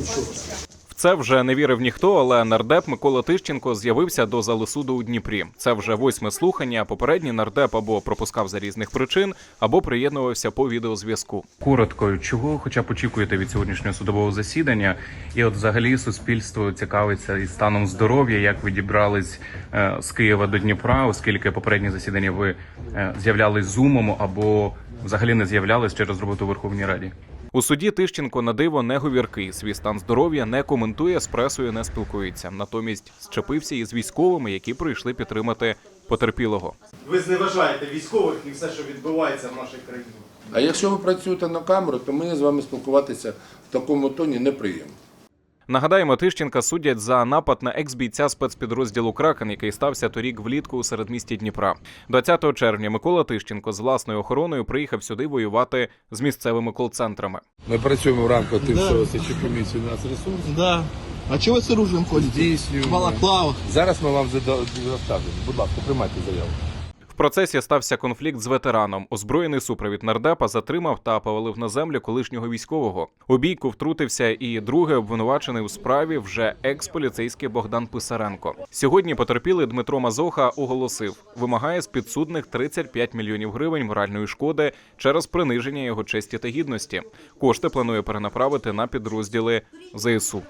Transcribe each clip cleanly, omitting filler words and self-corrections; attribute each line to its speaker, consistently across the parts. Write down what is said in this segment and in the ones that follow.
Speaker 1: В це вже не вірив ніхто, але нардеп Микола Тищенко з'явився до зали суду у Дніпрі. Це вже 8-ме слухання. Попередній нардеп або пропускав за різних причин, або приєднувався по відеозв'язку. Коротко, чого хоча б очікуєте від сьогоднішнього судового засідання? І от взагалі суспільство цікавиться і станом здоров'я, як ви дібрались з Києва до Дніпра, оскільки попередні засідання ви з'являлись зумом або взагалі не з'являлись через роботу у Верховній Раді. У суді Тищенко на диво не говіркий, свій стан здоров'я не коментує, з пресою не спілкується. Натомість зчепився із військовими, які прийшли підтримати потерпілого.
Speaker 2: Ви зневажаєте військових і все, що відбувається в нашій країні.
Speaker 3: А якщо ви працюєте на камеру, то мені з вами спілкуватися в такому тоні неприємно.
Speaker 1: Нагадаємо, Тищенка судять за напад на екс-бійця спецпідрозділу «Кракен», який стався торік влітку у середмісті Дніпра. 20 червня Микола Тищенко з власною охороною приїхав сюди воювати з місцевими кол-центрами.
Speaker 3: Ми працюємо в рамках тимчасової слідчої комісії «Нацресурс».
Speaker 4: Да. А чого ви з оружием ходите?
Speaker 3: Здійснюємо.
Speaker 4: Балаклава.
Speaker 3: Зараз ми вам розставимо. Будь ласка, приймайте заяву.
Speaker 1: В процесі стався конфлікт з ветераном. Озброєний супровід нардепа затримав та повалив на землю колишнього військового. У бійку втрутився і другий обвинувачений у справі вже екс-поліцейський Богдан Писаренко. Сьогодні потерпілий Дмитро Мазоха оголосив, вимагає з підсудних 35 мільйонів гривень моральної шкоди через приниження його честі та гідності. Кошти планує перенаправити на підрозділи ЗСУ.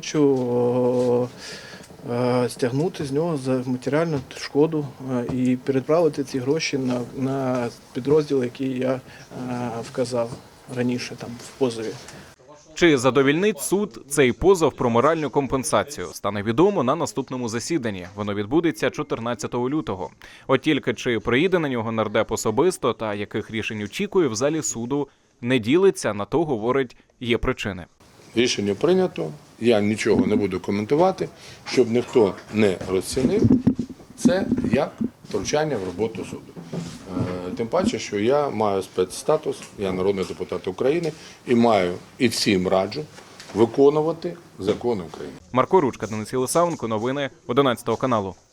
Speaker 4: Хочу стягнути з нього за матеріальну шкоду і переправити ці гроші на підрозділ, який я вказав раніше там в позові.
Speaker 1: Чи задовільнить суд цей позов про моральну компенсацію, стане відомо на наступному засіданні. Воно відбудеться 14 лютого. От тільки чи приїде на нього нардеп особисто та яких рішень очікує в залі суду, не ділиться, на то говорить, є причини.
Speaker 3: Рішення прийнято, я нічого не буду коментувати, щоб ніхто не розцінив це як втручання в роботу суду. Тим паче, що я маю спецстатус, я народний депутат України і маю і всім раджу виконувати закони України.
Speaker 1: Марко Ручка, Денис Єлисаєнко, новини 11 каналу.